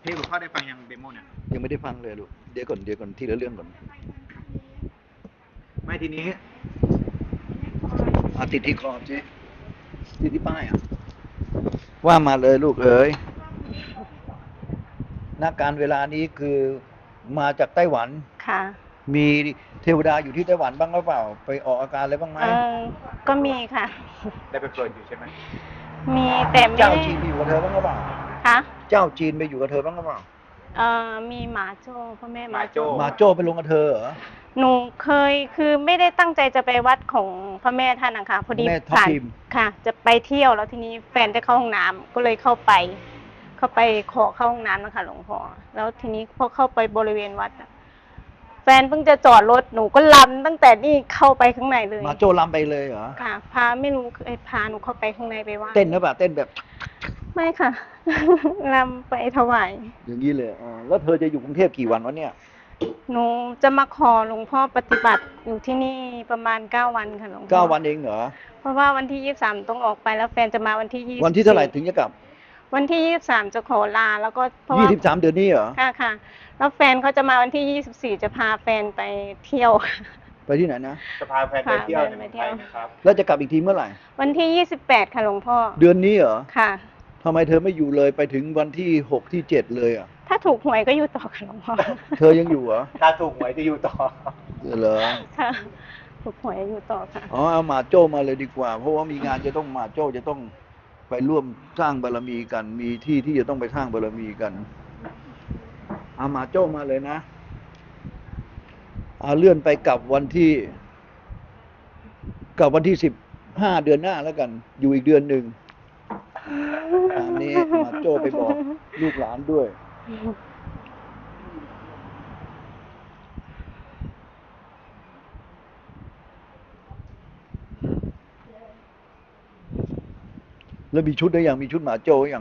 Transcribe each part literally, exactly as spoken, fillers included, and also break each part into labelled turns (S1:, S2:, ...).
S1: นี่หลวงพ่อได้ฟังยังเดโมเนี่ย
S2: ยังไม่ได้ฟังเลยลูกเดี๋ยวก่อนเดี๋ยวก่อนทีละเรื่องก่อน
S1: ไม่ทีนี้
S2: อาติดที่คอสิติดที่ป้ายอ่ะว่ามาเลยลูกเอ๋ยนักการเวลานี้คือมาจากไต้หวัน
S3: ค่ะ
S2: มีเทวดาอยู่ที่ไต้หวันบ้างหรือเปล่าไปออกอาการอะไรบ้างไหม
S3: เออก็มีค่ะ
S1: ได้ไปเปิดอยู่ใช่ไหม
S3: มีแต่ไม่
S2: เจ้า
S3: ได้
S2: จีนไปอยู่กับเธอบ้างหรือเปล่า
S3: ค่ะ
S2: เจ้าจีนไปอยู่กับเธอบ้างหรือเปล่า
S3: เออมีหมาโจ้พ่อแม่หมาโจ้
S2: หมาโจ้ไปลงกับเธอเหรอ
S3: หนูเคยคือไม่ได้ตั้งใจจะไปวัดของพระแม่ท่านนะคะพอดีผ่านค่ะ จะไปเที่ยวแล้วทีนี้แฟนจะเข้าห้องน้ำก็เลยเข้าไป เข้าไปขอเข้าห้องน้ำนะคะหลวงพ่อแล้วทีนี้พอเข้าไปบริเวณวัดแฟนเพิ่งจะจอดรถหนูก็ลำตั้งแต่นี่เข้าไปข้างในเลย
S2: หมาโจ้ลำไปเลยเหรอ
S3: ค่ะพาไม่รู้เคยพาหนูเข้าไปข้างในไปว่า
S2: เต้นหรือเปล่าเต้นแบบ
S3: ไม่ค่ะลำไปถวาย
S2: อย่างนี้เลยอ๋อแล้วเธอจะอยู่กรุงเทพกี่วันวะเนี่ย
S3: หนูจะมาขอหลวงพ่อปฏิบัติอยู่ที่นี่ประมาณเก้าวันค่ะหลวงพ่อ
S2: เก้าวันเองเหรอ
S3: เพราะว่าวันที่ยี่สิบสามต้องออกไปแล้วแฟนจะมาวันที่ยี่สิบ
S2: วันที่เท่าไหร่ถึงจะกลับ
S3: วันที่ยี่สิบสามจะขอลาแล้วก็เพราะว่า
S2: ยี่สิบสามเดือนนี้เหรอ
S3: ค่ะค่ะแล้วแฟนเขาจะมาวันที่ยี่สิบสี่จะพาแฟนไปเที่ยว
S2: ไปที่ไหนนะ
S1: จะพาแฟนไปเที่ยวในเมืองไทยนะครับ
S2: แล้วจะกลับอีกทีเมื่อไหร่
S3: วันที่ยี่สิบแปดค่ะหลวงพ่อ
S2: เดือนนี้เหรอ
S3: ค่ะ
S2: ทำไมเธอไม่อยู่เลยไปถึงวันที่หกที่เจ็ดเลยอ่ะ
S3: ถ้าถูกหวยก็อยู่ต่อค่ะหลวงพ่อ
S2: เธอยังอยู่เหรอ
S1: ถ้าถูกหวยจะอยู่ต่อ
S2: เหรอ
S3: ค่ะถูกหวยอยู่ต่อค่ะ
S2: อ๋อเอาหมาโจ้มาเลยดีกว่าเพราะว่ามีงานจะต้องหมาโจ้จะต้องไปร่วมสร้างบารมีกันมีที่ที่จะต้องไปสร้างบารมีกันเอาหมาโจ้มาเลยนะเอาเลื่อนไปกับวันที่กับวันที่สิบห้าเดือนหน้าแล้วกันอยู่อีกเดือนหนึ่งอันนี้มาโจ้ไปบอกลูกหลานด้วยแล้วมีชุดได้ยังมีชุดหมาโจ้ยัง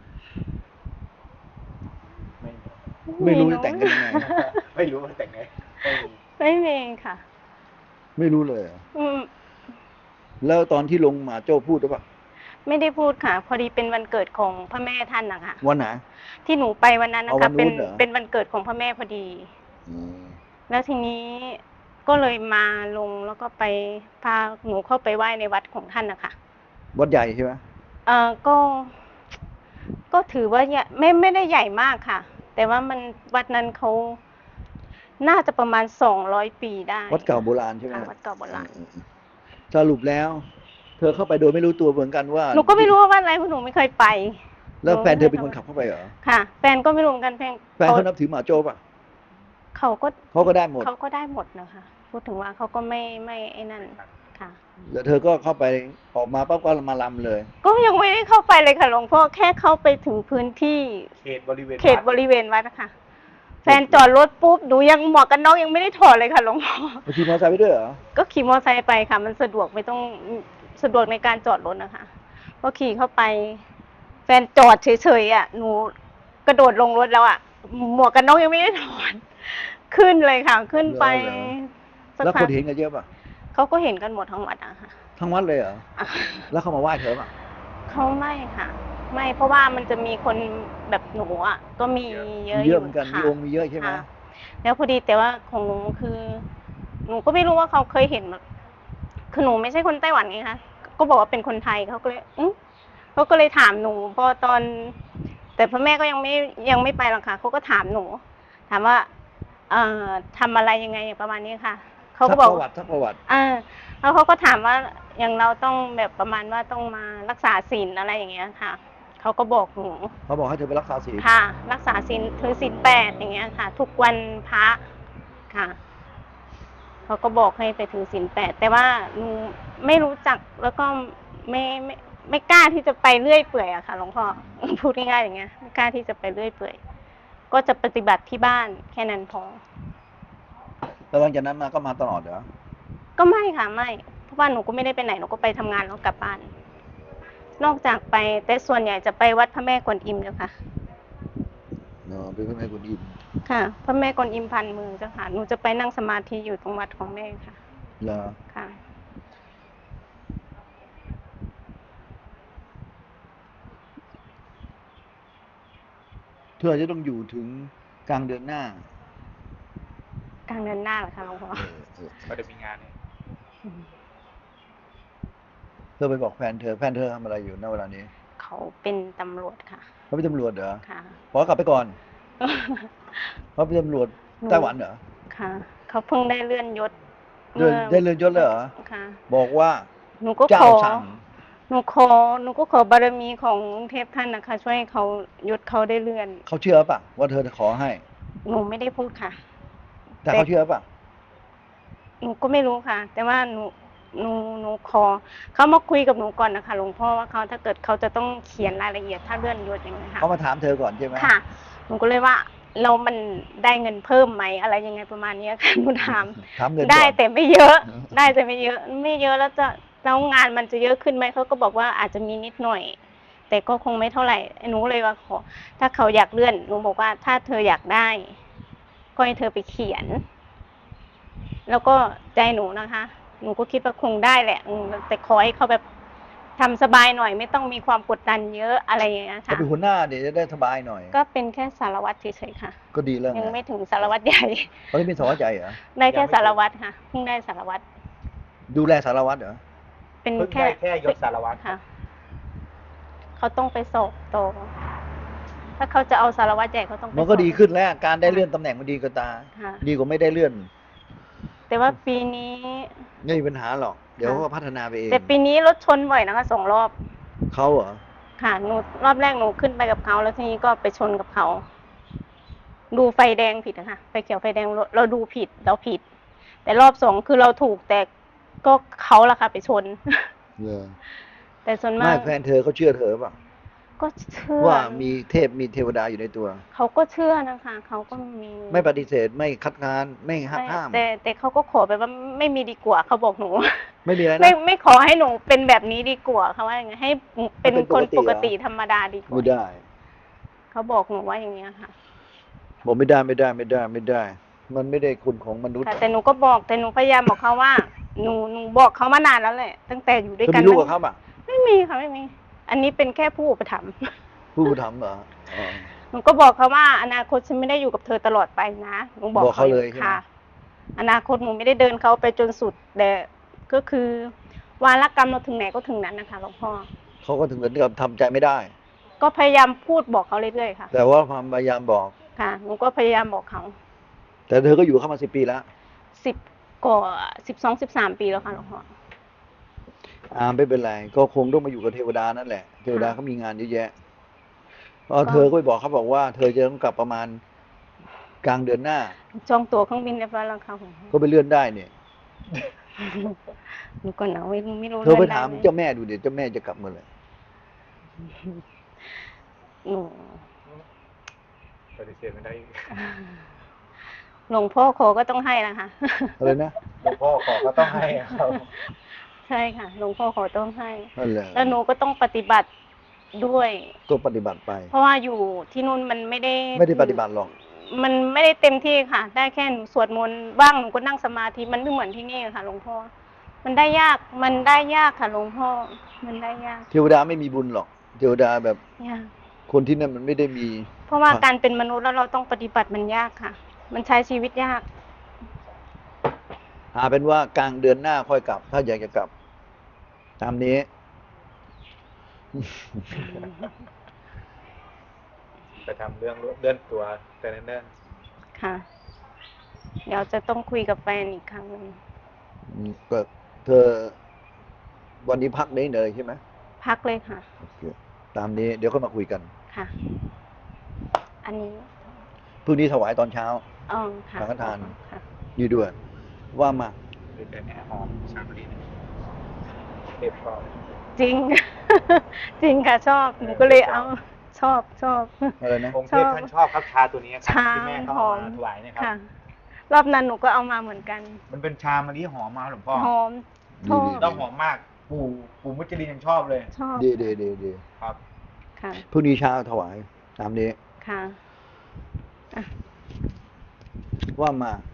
S2: ไม่ไม่รู้จะแต่งกันยังไง
S1: ไม่รู้ว่าแต่งไง
S3: ไม่มีค่ะ
S2: ไม่รู้เลยอืมแล้วตอนที่ลงหมาโจ้พูดหรือเปล่า
S3: ไม่ได้พูดค่ะพอดีเป็นวันเกิดของพระแม่ท่านนะคะ
S2: วันไหน
S3: ที่หนูไปวันนั้นนะคะเป็นเป็นวันเกิดของพระแม่พอดีแล้วทีนี้ก็เลยมาลงแล้วก็ไปพาหนูเข้าไปไหว้ในวัดของท่านนะคะ
S2: วัดใหญ่ใช่ไหม
S3: เออก็ก็ถือว่าไม่ไม่ได้ใหญ่มากค่ะแต่ว่ามันวัดนั้นเขาน่าจะประมาณสองร้อยปีได้
S2: วัดเก่าโบราณใช่ไหม
S3: วัดเก่าโบราณ
S2: สรุปแล้วเธอเข้าไปโดยไม่รู้ตัวเหมือนกันว่า
S3: หนูก็ไม่รู้ว่าวัดอะไรเพราะหนูไม่เคยไป
S2: แล้วแฟนเธอเป็นคนขับเข้าไปเหรอ
S3: ค่ะแฟนก็ไม่รู้เหมือนกันแฟน
S2: แฟนเขานับถือหมาโจ้ป่ะ
S3: เขาก็
S2: เขาก็ได้หมด
S3: เขาก็ได้หมดนะคะพูดถึงว่าเขาก็ไม่ไม่ไอ้นั่นค่ะ
S2: แล้วเธอก็เข้าไปออกมาปั๊บก็มาลำเลย
S3: ก็ยังไม่ได้เข้าไปเลยค่ะหลวงพ่อแค่เข้าไปถึงพื้นที่
S1: เขตบริเวณ
S3: เขตบริเวณวัดนะคะแฟนจอดรถปุ๊บหนูยังหมวกกันน็อกยังไม่ได้ถอดเลยค่ะหลวงพ่อ
S2: ขี่มอเตอร์ไซค์ไปด้วยเหรอ
S3: ก็ขี่มอเตอร์ไซค์ไปค่ะมันสะดวกไม่ต้องสะดวกในการจอดรถนะคะพอขี่เข้าไปแฟนจอดเฉยๆอ่ะหนูกระโดดลงรถแล้วอ่ะหมวกกันน็อกยังไม่ได้ถอดขึ้นเลยค่ะขึ้นไป
S2: แล้วคนเห็นกันเยอะป่ะ
S3: เขาก็เห็นกันหมดทั้งวัดอะค่ะ
S2: ทั้งวัดเลยเหรอแล้วเขามาไหว้เธอป่ะ
S3: เขาไม่ค่ะไม่เพราะว่ามันจะมีคนแบบหนูอ่ะก็มีเยอะ
S2: เยอะเหมือนกันมีองค์มีเยอะใช่ไหม
S3: แล้วพอดีแต่ว่าของหนูคือหนูก็ไม่รู้ว่าเขาเคยเห็นคือหนูไม่ใช่คนไต้หวันไงคะก็บอกว่าเป็นคนไทยเขาก็เลยอือเขาก็เลยถามหนูพอตอนแต่พ่อแม่ก็ยังไม่ยังไม่ไปหรอกค่ะเขาก็ถามหนูถามว่าเอ่อทำอะไรยังไงประมาณนี้ค่ะเขาก็บอก
S2: ประวัติประวัติ
S3: อ่าแล้วเขาก็ถามว่าอย่างเราต้องแบบประมาณว่าต้องมารักษาศีลอะไรอย่างเงี้ยค่ะเขาก็บอกหนู
S2: เขาบอกให้เธอไปรักษาศีล
S3: ค่ะรักษาศีลถือศีลแปดอย่างเงี้ยค่ะทุกวันพระค่ะเขาก็บอกให้ไปถือศีลแปดแต่ว่าหนูไม่รู้จักแล้วก็ไม่ไม่ไม่กล้าที่จะไปเรื่อยเปื่อยอะค่ะหลวงพ่อพูดง่ายๆอย่างเงี้ยไม่กล้าที่จะไปเรื่อยเปื่อยก็จะปฏิบัติที่บ้านแค่นั้นพอ
S2: แล้วหลังจากนั้นมาก็มาตลอดเหรอ
S3: ก็ไม่ค่ะไม่เพราะว่าหนูก็ไม่ได้ไปไหนหนูก็ไปทำงานแล้วกลับบ้านนอกจากไปแต่ส่วนใหญ่จะไปวัดพระแม่กวนอิมเจ้าค่ะ
S2: เนาะไปพระแม่กวนอิม
S3: ค่ะพระแม่กวนอิมพันมือเจ้าค่ะหนูจะไปนั่งสมาธิอยู่ตรงวัดของแม่ค่ะ
S2: เหรอ
S3: ค่ะ
S2: เธอจะต้องอยู่ถึงกลางเดือนหน้าก
S3: ลางเดือนหน้าเหรอคะหลวงพ่อ
S2: เออเออ
S1: ก็จะมีงานเนี่ย
S2: เธอไปบอกแฟนเธอแฟนเธอทำอะไรอยู่ณเวลานี้
S3: เขาเป็นตำรวจค่ะ
S2: เขาเป็นตำรวจเหรอ
S3: ค่ะ
S2: ขอกลับไปก่อนเขาเป็นตำรวจไต้หวันเหรอ
S3: ค่ะ เขาเพิ่งได้เลื่อนยศ
S2: เลื่อนได้เลื่อนยศเลยเหรอ
S3: ค่ะ
S2: บอกว่า
S3: หนูก็
S2: เจ้า
S3: ขอ
S2: สั่ง
S3: หนูขอ หนูก็ขอบารมีของเทพท่านนะคะ ช่วยให้เขายศเขาได้เลื่อน
S2: เขาเชื่อป่ะว่าเธอจะขอให้
S3: หนูไม่ได้พูดค่ะ
S2: แต่เขาเชื่อป่ะ
S3: หนูก็ไม่รู้ค่ะ แต่ว่าหนู หนู หนูขอเขามาคุยกับหนูก่อนนะคะหลวงพ่อว่าเขาถ้าเกิดเขาจะต้องเขียนรายละเอียดถ้าเลื่อนยศอย่างนี้ยค่ะ
S2: เขามาถามเธอก่อนใช่ไหม
S3: ค่ะ หนูก็เลยว่าเรามันได้เงินเพิ่มไหมอะไรยังไงประมาณเนี้ยค่ะ หนูถาม
S2: ถามเงินก่อน
S3: ได้แต่ไม่เยอะ ได้แต่ไม่เยอะ ไม่เยอะแล้วจะแล้วงานมันจะเยอะขึ้นไหมเขาก็บอกว่าอาจจะมีนิดหน่อย แต่ก็คงไม่เท่าไหร่หนูเลยว่าขอ ถ้าเขาอยากเลื่อนหนูบอกว่าถ้าเธออยากได้ ก็ให้เธอไปเขียน แล้วก็ใจหนูนะคะ หนูก็คิดว่าคงได้แหละอืมแต่ขอให้เขาแบบทำสบายหน่อย ไม่ต้องมีความกดดันเยอะอะไรอย่างเงี้ย
S2: เขา
S3: ค่ะ
S2: เป็นหัวหน้าเดี๋ยวจะได้สบายหน่อย
S3: ก็เป็นแค่สารวัตรเฉยๆค่ะ
S2: ก็ดีแล้ว
S3: ยัง
S2: ไง
S3: ไม่ถึงสารวัตรใหญ่
S2: เขาได้เป็นสารวัตรใหญ่เหรอ
S3: ได้แค่สารวัตรค่ะเพิ่งได้สารวัตร
S2: ดูแลสารวัตรเหรอ
S3: เป็น
S1: เพิ่ง
S3: แค่
S1: ได้แค่ยศสารวัตร
S3: ค่ะ เขาต้องไปสอบต่อถ้าเขาจะเอาสารวัตรใหญ่เขาต้องไป
S2: มันก็
S3: สอบ
S2: ดีขึ้นแล้ว การได้เลื่อนตำแหน่งมันดีกว่าตา
S3: ค่ะ
S2: ดีกว่าไม่ได้เลื่อน
S3: แต่ว่าปีนี้
S2: ไม่มีปัญหาหรอก เดี๋ยวเขาก็พัฒนาไปเอง
S3: แต่ปีนี้รถชนบ่อยนะคะสองรอบ
S2: เขาเหรอ
S3: ค่ะหนูรอบแรกหนูขึ้นไปกับเขาแล้วทีนี้ก็ไปชนกับเขา ดูไฟแดงผิดนะคะไฟเขียวไฟแดงเราเราดูผิดเราผิด แต่รอบสองคือเราถูกแต่ก็เขาละค่ะไปชน
S2: เหรอ
S3: แต่ส่วนมา
S2: ไม่
S3: ก
S2: แฟนเธอเขาเชื่อเธอป่ะ
S3: ก็เชื่อ
S2: ว่ามีเทพมีเทวดาอยู่ในตัว
S3: เขาก็เชื่อนะคะเขาก็มี
S2: ไม่ปฏิเสธไม่คัดค้านไม่หัก
S3: ไม่
S2: ห้าม
S3: แต่แต่เขาก็ขอไปว่าไม่มีดีกว่าเขาบอกหนู
S2: ไม่มีอะไร
S3: ไม่
S2: นะ
S3: ไม่ขอให้หนูเป็นแบบนี้ดีกว่าเขาว่าอย่างไงให้เป็น
S2: ให้เป็น
S3: คน
S2: ป
S3: ป
S2: ก
S3: ก
S2: ติ
S3: ติ
S2: เหรอ
S3: ธรรมดาดีกว่า
S2: ไม่ได้
S3: เขาบอกหนูว่าอย่างเงี้ยค่ะ
S2: บอกไม่ได้ไม่ได้ไม่ได้ไม่ได้ มันไม่ได้คุณของมนุษย์
S3: ค่ะแต่หนูก็บอกแต่หนูพยายามบอกเขาว่าหนูหนูบอกเขามานานแล้วแหละ ตั้งแต่อยู่ด้วย
S2: เธอ
S3: กัน
S2: มีลูกกับเขาป่ะ
S3: ไม่มีค่ะไม่มี อันนี้เป็นแค่ผู้อุปถัมภ์
S2: ผู้ทำเหรออ๋อ
S3: หนูก็บอกเขาว่าอนาคตฉันไม่ได้อยู่กับเธอตลอดไปนะหนูบอก
S2: บอกเขาเลยใช่ไหม
S3: ค่ะ อนาคตหนูไม่ได้เดินเขาไปจนสุดแต่ก็คือวาระกรรมเราถึงไหนก็ถึงนั้นนะคะหลวงพ่อ
S2: เขาก็ถึงกับทำใจไม่ได้
S3: ก็พยายามพูดบอกเขาเรื่อยๆค่ะ
S2: แต่ว่าความพยายามบอก
S3: ค่ะหนูก็พยายามบอกเขา
S2: แต่เธอก็อยู่เข้ามาสิบปีแล้ว
S3: สิบกว่าสิบสองสิบสามปีแล้วค่ะหลวงพ่อ
S2: อ่าไม่เป็นไรก็คงต้องมาอยู่กับเทวดานั่นแหละ เทวดาเขามีงานเยอะแยะเพราะเธอก็ไปบอกเขาบอกว่า เธอจะต้องกลับประมาณกลางเดือนหน้า
S3: จองตั๋วเครื่องบินเรียบร้อยแล้วค่ะหลวงพ่อ
S2: ก็ไปเลื่อนได้เนี่ย
S3: หนูก็หนาวไม่ไม่รู้
S2: เธอไป
S3: ลื่นด้
S2: ถาม
S3: ห
S2: เจ้าแม่ดูเดี๋ยวเจ้าแม่จะกลับเมื่อไหร่
S3: หนู
S1: ปฏิเสธไม่ได้อีก
S3: หลวงพ่อขอก็ต้องให้นะคะ
S2: อะไรนะ
S1: หลวงพ่อขอก็ต้องให้ครับ
S3: ใช่ค่ะหลวงพ่อขอต้องให้
S2: นั่นแหละ
S3: แล้วหนูก็ต้องปฏิบัติด้วย
S2: ก็ปฏิบัติไป
S3: เพราะว่าอยู่ที่นู่นมันไม่ได้
S2: ไม่ได้ปฏิบัติหรอก
S3: มันไม่ได้เต็มที่ค่ะ ได้แค่หนูสวดมนต์บ้างหนูก็นั่งสมาธิมันไม่เหมือนที่นี่ค่ะหลวงพ่อ มันได้ยาก มันได้ยากค่ะหลวงพ่อ มันได้ยาก
S2: เทวดาไม่มีบุญหรอก เทวดาแบบ
S3: ยาก
S2: คนที่นั่นมันไม่ได้มี
S3: เพราะว่า
S2: ครับ
S3: การเป็นมนุษย์แล้วเราต้องปฏิบัติมันยากค่ะ มันใช้ชีวิตยาก
S2: หาเป็นว่ากลางเดือนหน้าค่อยกลับ ถ้าอยากจะกลับ ตามนี้
S1: ไปทำเรื่องเลื่อนตัวแต่เนิ่น
S3: ค่ะ เดี๋ยวจะต้องคุยกับแฟนอีกครั้งหนึ่ง
S2: อืมก็เธอ วันนี้พักได้เลยใช่ไหม
S3: พักเลยค่ะ
S2: โอเคตามนี้เดี๋ยวค่อยมาคุยกัน
S3: ค่ะ อันนี้
S2: พรุ่งนี้ถวายตอนเช้า
S3: อ๋อค่ะ
S2: สังฆทาน
S3: ค่ะ
S2: นี่ด้วย ว่ามา
S1: ๆคือแต่เนี้หอมชาบรีเนี่ยเทพชอบ
S3: จริง จริงค่ะชอบ หนูก็เลยเอา ชอบชอบ
S2: อะไรนะ
S1: องค์เทพท่านชอบครับชาตัวนี้ครับ
S3: ชา
S1: ที่แม่เขา
S3: ห
S1: เอา
S3: อม
S1: มาถวายเนะครับ
S3: ค่ะ รอบนั้นหนูก็เอามาเหมือนกัน
S1: มันเป็นชามะลิหอมมากหลวงพ่อ
S3: หอมชอบ
S1: แล้วหอมมาก ปู่ปู่มุจลินยังชอบเลย
S3: ชอบ
S2: ดีดีดีดี
S1: ครับ
S3: ค่ะ
S2: พรุ่งนี้เช้าถวาย ตามนี้
S3: ค่ะอ่ะ
S2: ว่ามา